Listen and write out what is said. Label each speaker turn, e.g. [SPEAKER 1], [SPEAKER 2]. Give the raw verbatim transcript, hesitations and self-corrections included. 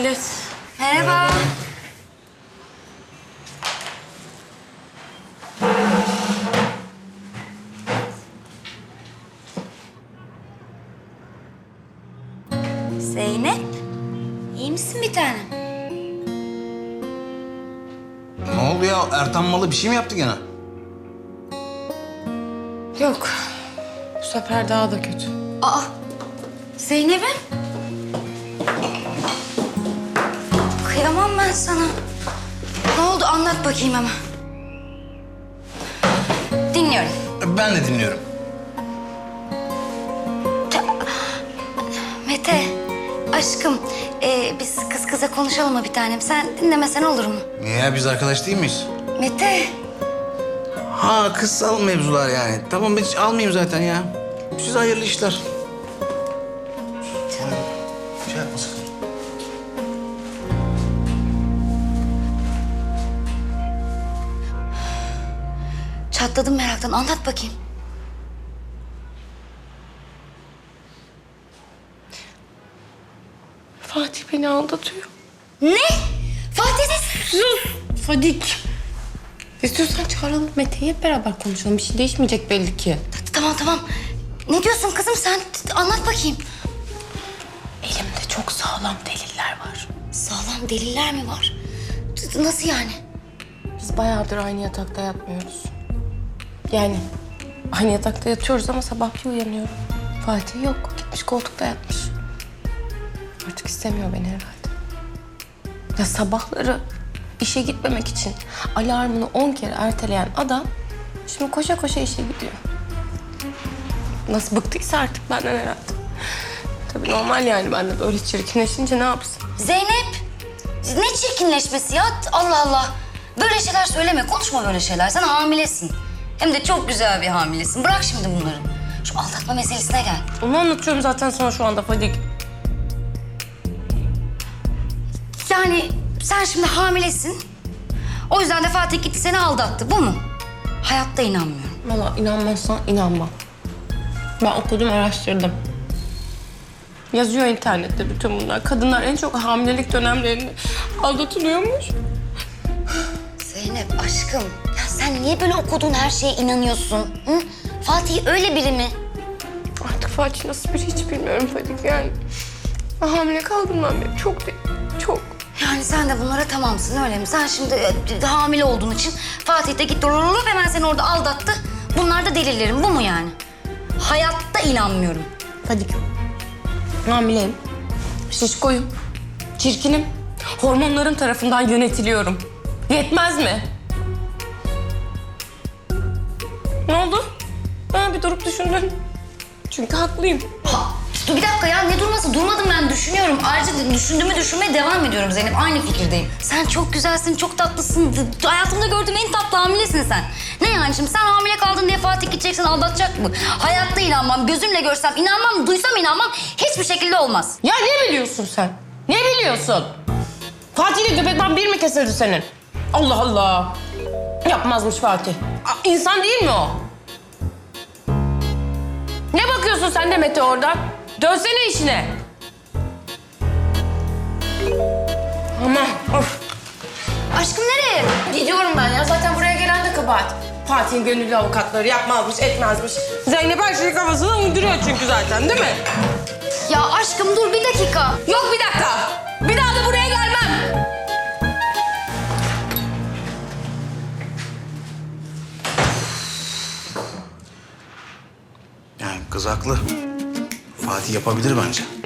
[SPEAKER 1] millet.
[SPEAKER 2] Merhaba. Zeynep, iyi misin bir tanem?
[SPEAKER 3] Ne oldu ya? Ertan Malı bir şey mi yaptı gene?
[SPEAKER 1] Yok. Bu sefer daha da kötü.
[SPEAKER 2] Aa, Zeynep'im. Kıyamam ben sana. Ne oldu anlat bakayım ama. Dinliyorum.
[SPEAKER 3] Ben de dinliyorum.
[SPEAKER 2] Mete, aşkım ee, biz kız kıza konuşalım mı bir tanem? Sen dinlemesen olur mu?
[SPEAKER 3] Niye ya? Biz arkadaş değil miyiz?
[SPEAKER 2] Mete.
[SPEAKER 3] Ha kızsal mevzular yani. Tamam ben hiç almayayım zaten ya. Size hayırlı işler. Şey yapma sakın.
[SPEAKER 2] Çatladım meraktan. Anlat bakayım.
[SPEAKER 1] Fatih beni aldatıyor.
[SPEAKER 2] Ne? Fatih de...
[SPEAKER 1] Sus Fadik. İstiyorsan çağıralım Mete'yi, hep beraber konuşalım. Bir şey değişmeyecek belli ki.
[SPEAKER 2] Tamam tamam. Ne diyorsun kızım sen? Anlat bakayım.
[SPEAKER 1] Elimde çok sağlam deliller var.
[SPEAKER 2] Sağlam deliller mi var? Nasıl yani?
[SPEAKER 1] Biz bayağıdır aynı yatakta yatmıyoruz. Yani aynı yatakta yatıyoruz ama sabah bir uyanıyorum. Fatih yok. Gitmiş koltukta yatmış. Artık istemiyor beni herhalde. Ya sabahları işe gitmemek için alarmını on kere erteleyen adam şimdi koşa koşa işe gidiyor. Nasıl bıktıysa artık benden herhalde. Tabii normal yani, ben de böyle çirkinleşince ne yapsın?
[SPEAKER 2] Zeynep, ne çirkinleşmesi ya? Allah Allah. Böyle şeyler söyleme, konuşma böyle şeyler. Sen hamilesin. Hem de çok güzel bir hamilesin. Bırak şimdi bunları. Şu aldatma meselesine gel.
[SPEAKER 1] Onu anlatıyorum zaten sana şu anda Fadik.
[SPEAKER 2] Yani sen şimdi hamilesin. O yüzden de Fatih gitti seni aldattı. Bu mu? Hayatta inanmıyorum.
[SPEAKER 1] Valla inanmazsan inanma. Ben okudum, araştırdım. Yazıyor internette bütün bunlar. Kadınlar en çok hamilelik dönemlerinde aldatılıyormuş.
[SPEAKER 2] Zeynep aşkım, ya sen niye böyle okuduğun her şeye inanıyorsun? Hı? Fatih öyle biri mi?
[SPEAKER 1] Artık Fatih nasıl biri hiç bilmiyorum Fadik yani. Ben hamile kaldığımdan beri çok değil, çok.
[SPEAKER 2] Yani sen de bunlara tamamsın öyle mi? Sen şimdi e, hamile olduğun için Fatih de gitti rrrr, hemen seni orada aldattı. Bunlar da delillerim, bu mu yani? Hayatta inanmıyorum.
[SPEAKER 1] Fadik, hamileyim, şişkoyum, çirkinim, hormonlarım tarafından yönetiliyorum. Yetmez mi? Ne oldu? Ben bir durup düşündüm. Çünkü haklıyım.
[SPEAKER 2] Ha, dur bir dakika ya, ne durması? Durmadım ben, düşünüyorum. Ayrıca düşündüğümü düşünmeye devam ediyorum Zeynep. Aynı fikirdeyim. Sen çok güzelsin, çok tatlısın. Hayatımda gördüğüm en tatlı hamilesin sen. Ne yani şimdi sen hamile kaldın diye Fatih gideceksen aldatacak mı? Hayatta inanmam, gözümle görsem inanmam, duysam inanmam. Hiçbir şekilde olmaz.
[SPEAKER 1] Ya ne biliyorsun sen? Ne biliyorsun? Fatih'le göbekten bir mi kesildi senin? Allah Allah. Yapmazmış Fatih. Aa, İnsan değil mi o? Ne bakıyorsun sen de Mete oradan? Dönsene işine. Aman of.
[SPEAKER 2] Aşkım nereye?
[SPEAKER 1] Gidiyorum ben ya. Zaten buraya gelen de kabahat. Fatih'in gönüllü avukatları yapmazmış, etmezmiş. Zeynep her şeyi kafasına uyduruyor çünkü zaten, değil mi?
[SPEAKER 2] Ya aşkım dur bir dakika.
[SPEAKER 1] Yok bir dakika. Bir daha da buraya gelmem.
[SPEAKER 3] Yani kız haklı. Fatih yapabilir bence.